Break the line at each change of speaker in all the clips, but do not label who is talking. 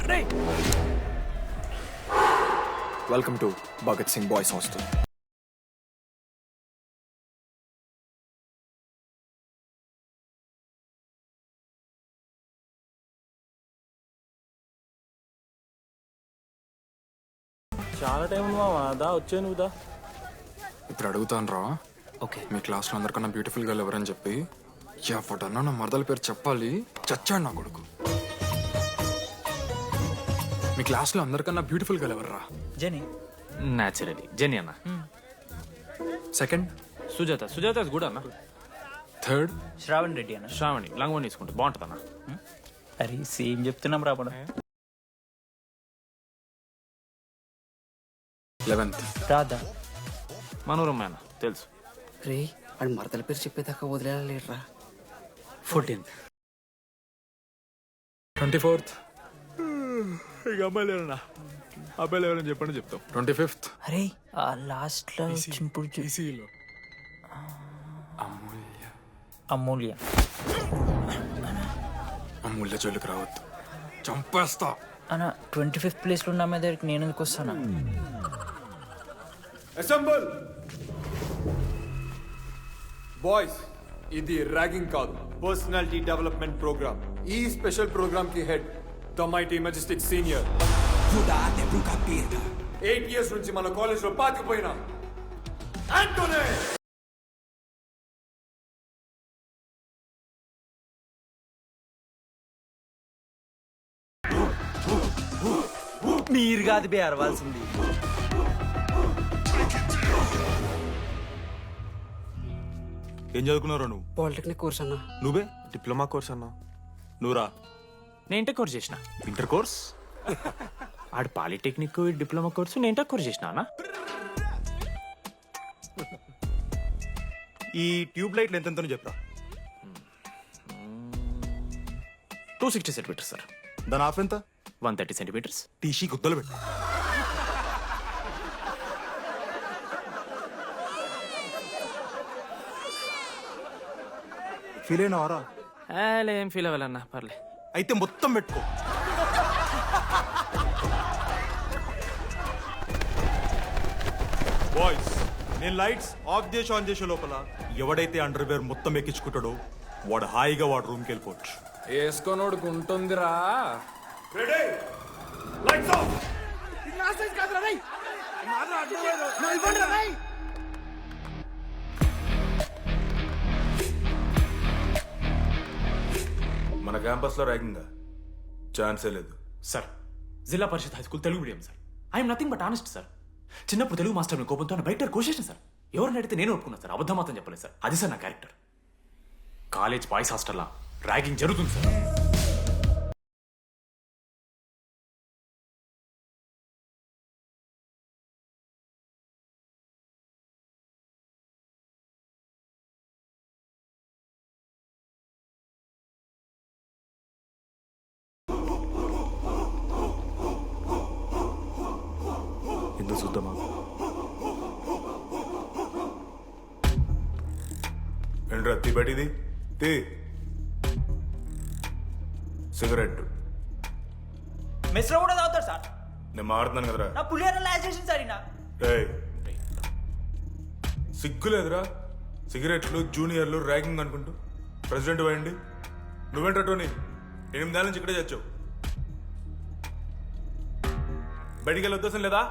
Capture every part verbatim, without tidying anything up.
Welcome to Bhagat Singh boys hostel.
చాలా time ఉంది మామ, దా వచ్చే నువ్వు దా.
ఇప్పుడు అడుగుతాను రా.
ఓకే.
మీ క్లాస్లో అందరికన్నా బ్యూటిఫుల్ గర్ల్ ఎవరని చెప్పి ఎవడన్నా నా మరదల పేరు చెప్పాలి. చచ్చాడు నా కొడుకు. మీ క్లాస్లో అందరికన్నా బ్యూటిఫుల్ గర్ల్ ఎవర్రా?
జెనీ.
న్యాచురలీ జెనీ అన్న.
సెకండ్
సుజాత. సుజాత కూడా అన్న.
థర్డ్
శ్రావణ్ రెడ్డి అన్న.
శ్రావణి లంగోని తీసుకుంటే బాగుంటుంది అన్న.
అరే సేమ్ చెప్తున్నాం రాబడ.
లెవెన్త్
రాధా.
మనోరమ్మ అన్న తెలుసు.
రే వాడు మరదల పేరు చెప్పేదాకా వదిలేరా.
ఫోర్టీన్త్.
ట్వంటీ ఫోర్త్
ఇక అమ్మాయి లేరన్నా, అబ్బాయి లేరని చెప్పండి చెప్తాం.
ట్వంటీ ఫిఫ్త్
అరే ఆ లాస్ట్ లో చింపుడు చూ-
ఈసీలో అమూల్య.
అమూల్య.
అమూల్య జోలికి రావద్దు, చంపేస్తా.
అన్న ట్వంటీ ఫిఫ్త్ ప్లేస్ లో ఉన్న మీద నేను ఎందుకు వస్తానా?
అసెంబుల్ బాయ్స్, ఇది ర్యాగింగ్ కాదు, పర్సనాలిటీ డెవలప్మెంట్ ప్రోగ్రామ్. ఈ స్పెషల్ ప్రోగ్రామ్ కి head the mighty majestic senior. Eight years నుంచి మన కాలేజ్ లో పాతిపోయిన ఆంటోనీ.
మీరు కాదు బే అరవాల్సింది.
ఏం చదువుకున్నారా నువ్వు?
పాలిటెక్నిక్ కోర్స్ అన్నా.
నువ్వే డిప్లొమా కోర్స్ అన్నా. నువ్వురా?
నేను ఇంటర్ కోర్స్ చేసిన.
Inter course?
ఆడు పాలిటెక్నిక్ డిప్లొమా కోర్సు, నేను ఇంటర్ కోర్స్ చేసిన అన్న.
ఈ ట్యూబ్ లైట్లు ఎంతెంతనో చెప్పరా.
Two sixty centimeters sir.
దాని ఆఫ్ ఎంత?
One thirty centimeters.
టీసీ గుద్దలు పెట్టు. ఫీల్ అయినావారా?
ఏం ఫీల్ అవ్వాలన్నా పర్లే.
అయితే మొత్తం పెట్టుకో. బాయ్స్, నేను లైట్స్ ఆఫ్ చేసి ఆన్ చేసే లోపల ఎవడైతే అండర్ వేర్ మొత్తం ఎక్కించుకుంటాడో వాడు హాయిగా వాడు రూమ్కి వెళ్ళిపోవచ్చు.
వేసుకోనోడుకు ఉంటుందిరా.
మన క్యాంపస్ లో ర్యాగింగ్ ఛాన్సే లేదు
sir, Zilla Parishad high school Telugu medium sir. I'm nothing but honest sir. చిన్నప్పుడు తెలుగు మాస్టర్ కోపంతో బయట కోసేసిన సార్. ఎవరిని అడిగితే నేను ఒప్పుకున్నాను సార్, అబద్ధం మాత్రం చెప్పలేదు సార్. అది సార్ నా క్యారెక్టర్. కాలేజ్ బాయ్స్ హాస్టల్లా ర్యాగింగ్ జరుగుతుంది సార్.
ఎందుకు చూద్దామా? ఏంట్రా తీ బయటిది తీ. సిగరెట్
మెస్ లో కూడా తాగుతారు సార్.
నేను మాడుతున్నాను కదరా.
నా పులిహోర లాస్ట్ చేసింది సార్ ఈయన.
ఏయ్, సిగ్గులేదురా? సిగరెట్లు జూనియర్లు ర్యాగింగ్ అనుకుంటూ ప్రెసిడెంట్ పోయండి. నువ్వేంట్రా టోనీ, ఎనిమిదేళ్ళ నుంచి ఇక్కడే చచ్చావు. బయటికి వెళ్ళే ఉద్దేశం లేదా?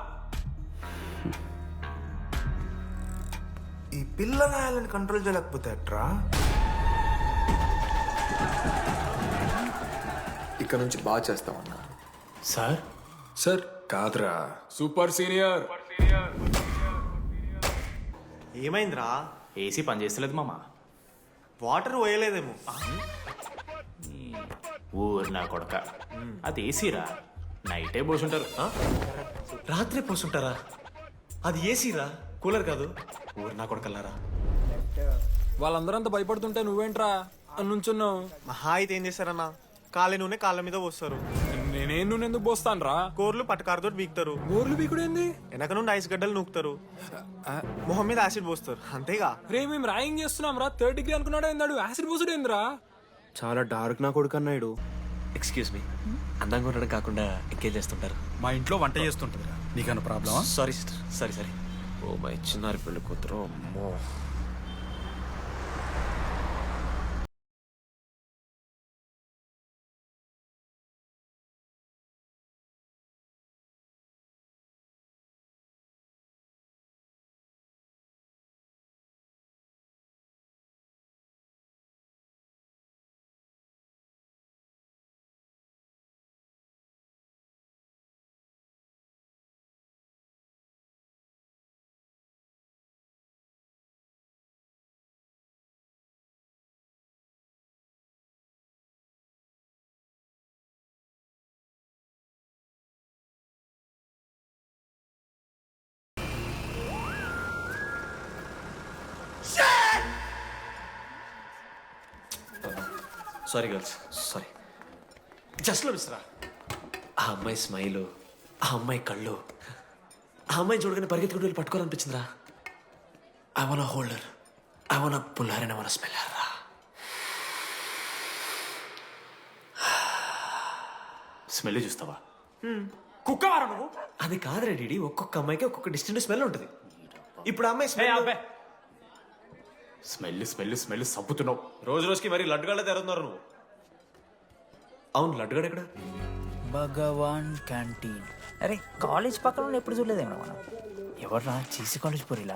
ఈ పిల్లగాయలను కంట్రోల్ చేయలేకపోతే అట్రా.
ఇక్కడ నుంచి బాగా చేస్తామన్నా.
సార్
సార్ కాదురా, సూపర్ సీనియర్.
ఏమైందిరా?
ఏసీ పని చేస్తలేదు మామ.
వాటర్ పోయలేదేమో.
ఊరు నా కొడక, అది ఏసీరా. నైటే పోసుంటారు.
రాత్రి పోసుంటారా? అది ఏసీరా, కూలర్ కాదు. ఊరు నా కొడకల్లారా.
వాళ్ళందరూ అంత భయపడుతుంటే నువ్వేంట్రా నుంచున్నావు?
మహా అయితే ఏం చేస్తారన్నా, కాళ్ళ నూనె కాళ్ళ మీద పోస్తారు.
నేనేం నువ్వు ఎందుకు పోస్తాను రా?
కోర్లు పట్టకారుతో బీకుతారు.
గోర్లు బీకుడు ఏంది?
వెనక నుండి ఐస్ గడ్డలు నూకుతారు. మొహం మీద యాసిడ్ పోస్తారు, అంతేగా.
రే మేము రాయింగ్ చేస్తున్నాం రా. థర్డ్ డిగ్రీ అనుకున్నాడు ఏందాడు, యాసిడ్ పోసుడు ఏందిరా?
చాలా డార్క్ నా కొడుకు అన్నాడు.
ఎక్స్క్యూజ్ మీ అందంగా ఉండడం కాకుండా ఇంకేం చేస్తుంటారు?
మా ఇంట్లో వంట చేస్తుంటుందిరా, నీకన్నా ప్రాబ్లమా?
Sorry sister, sorry sorry. Oh my చిన్నారి పెళ్ళి కూతురు, అమ్మో. Sorry girls, sorry. జస్ట్ లో మిస్రా, ఆ అమ్మాయి స్మైలు, ఆ అమ్మాయి కళ్ళు, ఆ అమ్మాయి చూడగానే పరిగెత్తుకుంటూ వెళ్ళి పట్టుకోవాలనిపించిందిరా. I want hold her, I want pull her and I want smell her రా.
స్మెల్ చూస్తావా? కుక్కవారా నువ్వు?
అది కాదురా డీడీ, ఒక్కొక్క అమ్మాయికి ఒక్కొక్క డిస్టెంట్ స్మెల్ ఉంటుంది. ఇప్పుడు ఆ అమ్మాయి
ఏ
స్మెల్
అబ్బే, స్మెల్ స్మెల్ స్మెల్ సబ్బుతున్నావు.
రోజు రోజుకి మరి లడ్డుగాళ్ళ తెరుతున్నారు నువ్వు. అవును, లడ్డుగాడు ఎక్కడ?
భగవాన్ క్యాంటీన్. అరే కాలేజ్ పక్కన ఉన్న ఎప్పుడు చూడలేదేమో మనం. ఎవర్రా చీసీ కాలేజ్ పోరిలా?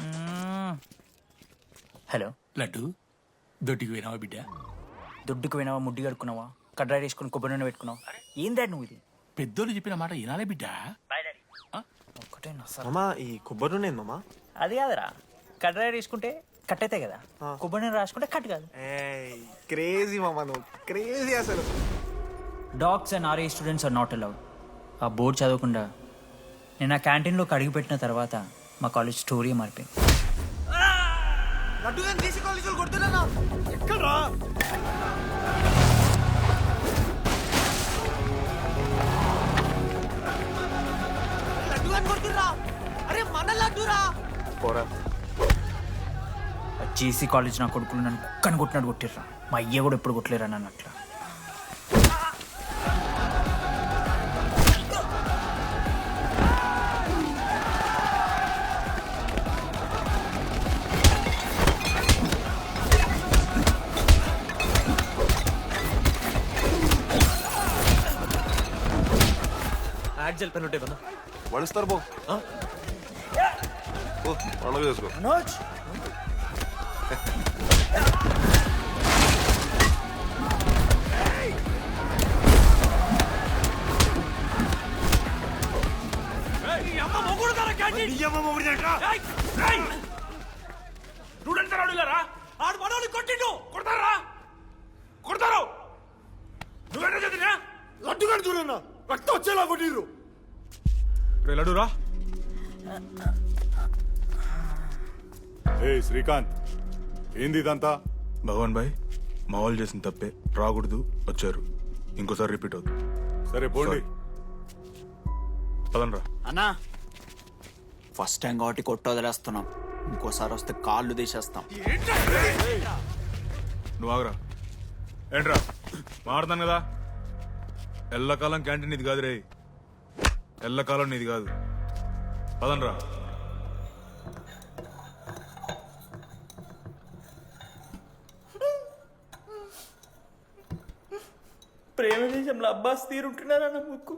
హలో
లడ్డు దొడ్డికి పోయినావా బిడ్డ?
దుడ్డుకు పోయినావా, ముడ్డి కడుక్కున్నావా, కడ్రాయి వేసుకుని కొబ్బరి నూనె పెట్టుకున్నావా? ఏం డాడ్ నువ్వు ఇది?
పెద్దోళ్ళు చెప్పిన మాట వినాలే బిడ్డ.
ఒక్కటే నస.
మామా ఈ కొబ్బరి నూనె ఏంది మామా?
అది కాదురా, కడ్రాయి వేసుకుంటే కట్ అవుతాయి కదా, కొబ్బరి నూనె రాసుకుంటే కట్ కాదు.
క్రేజీ మామా, నువ్వు క్రేజీ అసలు.
డాగ్స్ అండ్ ఆర్ఏ స్టూడెంట్స్ ఆర్ నాట్ అలౌడ్. ఆ బోర్డు చదవకుండా నేను ఆ క్యాంటీన్లోకి అడుగు పెట్టిన తర్వాత మా కాలేజ్ స్టోరీ మారిపోయింది. జేసీ కాలేజ్ నా కొడుకులు నన్ను కుక్కని కొట్టినట్టు కొట్టిర్రా. మా అయ్య కూడా ఎప్పుడు కొట్టలేరా నన్ను అట్లా.
యాడ్ జల్ పెన్ ఉంటే కదా
వడిస్తారు బో పండుగ చేసుకో.
ఆడు మనోని కొట్టిండు, కొడతారా కొడతారు. నువ్వేనా చదివినా?
లడ్డుగా చూడన్నా రక్తం వచ్చేలా కొట్టిర్రు.
రే లడ్డురా.
ఏ శ్రీకాంత్, ఏంది ఇదంతా?
భగవాన్ భాయ్, మా వాళ్ళు చేసిన తప్పే, రాకూడదు, వచ్చారు, ఇంకోసారి రిపీట్ అవుతుంది.
సరే పోండి.
పదనరా.
అన్నా ఫస్ట్ టైం కాబట్టి కొట్టు వదిలేస్తున్నాం, ఇంకోసారి వస్తే కాళ్ళు తీసేస్తాం.
నువ్వు ఆగరా. ఏంట్రా మారుతాను కదా. ఎల్లకాలం క్యాంటీన్ ఇది కాదు రే, ఎల్లకాలం నీది కాదు. పదనరా.
ప్రేమ దేశంలో అబ్బాస్ తీరుంటున్నారా నా ముక్కు?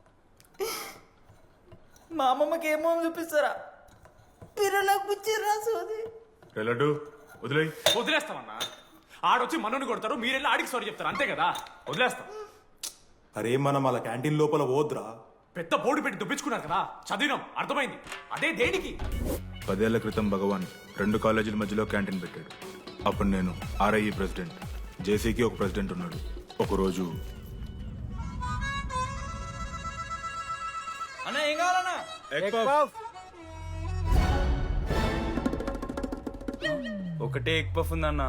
మా అమ్మమ్మకి ఏమో చూపిస్తారా? పిల్లలకు పుచ్చిర్రా సోది.
రే లడ్డు వదిలేయ్.
వదిలేస్తామన్నా. ఆడొచ్చి మనోని కొడతారు, మీరెళ్ళి ఆడికి సారీ చెప్తారు, అంతే కదా. వదిలేస్తాం.
అరే మనం అలా క్యాంటీన్ లోపల పోద్రా.
పెద్ద బోర్డు పెట్టి దుబ్బించుకున్నారు కదా, చదివినాం, అర్థమైంది. అదే దేనికి?
పదేళ్ల క్రితం భగవాన్ రెండు కాలేజీల మధ్యలో క్యాంటీన్ పెట్టాడు. అప్పుడు నేను ఆర్ఐఈ ప్రెసిడెంట్, జేసీకి ఒక ప్రెసిడెంట్ ఉన్నాడు. ఒకరోజు
అన్న ఏం కావాలన్నా?
ఒకటే ఎగ్ పఫ్ ఉందన్నా.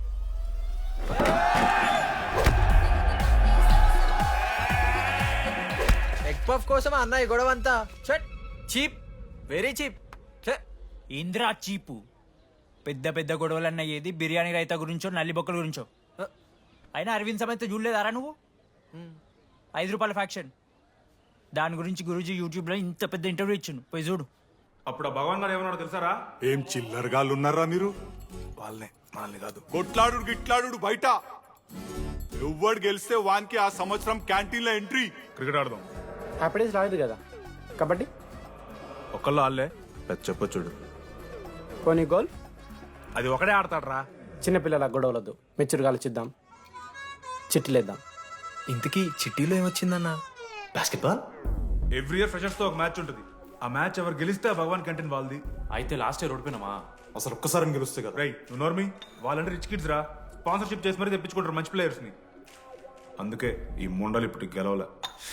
ఎగ్ పఫ్ కోసం అన్న ఈ గొడవ అంతా చీప్, వెరీ చీప్. ఇంద్రా చీపు. పెద్ద పెద్ద గొడవలన్న ఏది బిర్యానీ రైతా గురించో నల్లి బొక్కల గురించో. అయినా అరవింద్ సమేత చూడలేదారా నువ్వు? ఐదు రూపాయల ఫ్యాక్షన్ దాని గురించి గురూజీ యూట్యూబ్లో ఇంత పెద్ద ఇంటర్వ్యూ ఇచ్చిండు పోయి చూడు.
అప్పుడు ఆ భగవాన్ గారు ఏమన్నాడు తెలుసారా?
ఏం చిల్లరగాళ్ళు ఉన్నారా మీరు?
వాళ్ళనే వాళ్ళని కాదు.
కొట్లాడు గిట్లాడు బయట. ఎవ్వడు గెలిస్తే వానికి ఆ సంవత్సరం క్యాంటీన్ లో ఎంట్రీ.
క్రికెట్ ఆడదాం.
హ్యాపీడేస్ రాలేదు కదా. కబడ్డీ
ఒకళ్ళు ఆడలే పెద్ద చెప్పొచ్చుడు.
కొన్ని గోల్
అది ఒకడే ఆడతాడు రా.
చిన్నపిల్లల గొడవలద్దు, మెచ్యూర్గా ఆలోచిద్దాం, చిట్టిలేద్దాం.
ఇంతకీ చిట్టీలో ఏమొచ్చిందన్న? బాస్కెట్బాల్.
ఎవ్రీ ఇయర్ ఫ్రెషర్స్ తో ఒక మ్యాచ్ ఉంటుంది. ఆ మ్యాచ్ ఎవరు గెలిస్తే ఆ భగవాన్ క్యాంటీన్ వాళ్ళది.
అయితే లాస్ట్ ఇయర్ ఓడిపోయినామా?
అసలు ఒక్కసారి గెలుస్తే కదా.
రై నువ్వు నోర్మి. వాళ్ళంటే రిచ్ కిడ్స్ రా. స్పాన్సర్షిప్ చేసి మరీ తెప్పించుకుంటారు మంచి ప్లేయర్స్ ని. అందుకే ఈ ముండలు ఇప్పుడు గెలవలే.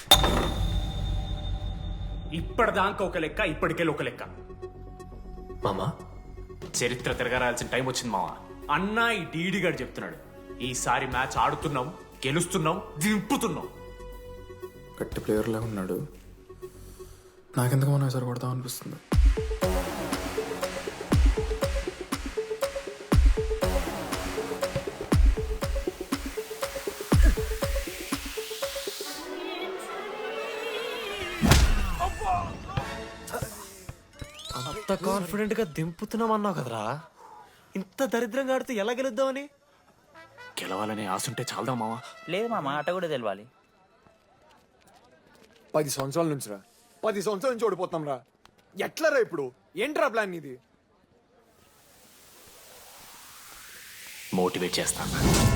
ఇప్పటిదాకా ఒక లెక్క, ఇప్పటికెళ్ళి ఒక లెక్క.
మామా
చరిత్ర తిరగరాల్సిన టైం వచ్చింది మావా. అన్నా ఈ డీడీ గారు చెప్తున్నాడు, ఈసారి మ్యాచ్ ఆడుతున్నాం, గెలుస్తున్నాం, దింపుతున్నాం.
గట్టి ప్లేయర్లా ఉన్నాడు. నాకెందుకు మనం ఎసరు కొడతాం అనిపిస్తుంది.
అంత కాన్ఫిడెంట్ గా దింపుతున్నాం అన్నావు కదరా. ఇంత దరిద్రంగా ఆడితే ఎలా గెలుద్దామని?
గెలవాలనే ఆశుంటే చాలదా మావా?
లేదు మామ, ఆట కూడా తెలవాలి.
పది సంవత్సరాల నుంచి రా పది సంవత్సరాల నుంచి ఓడిపోతాం రా. ఎట్లరా ఇప్పుడు? ఏంట్రా ప్లాన్ ఇది?
మోటివేట్ చేస్తాను.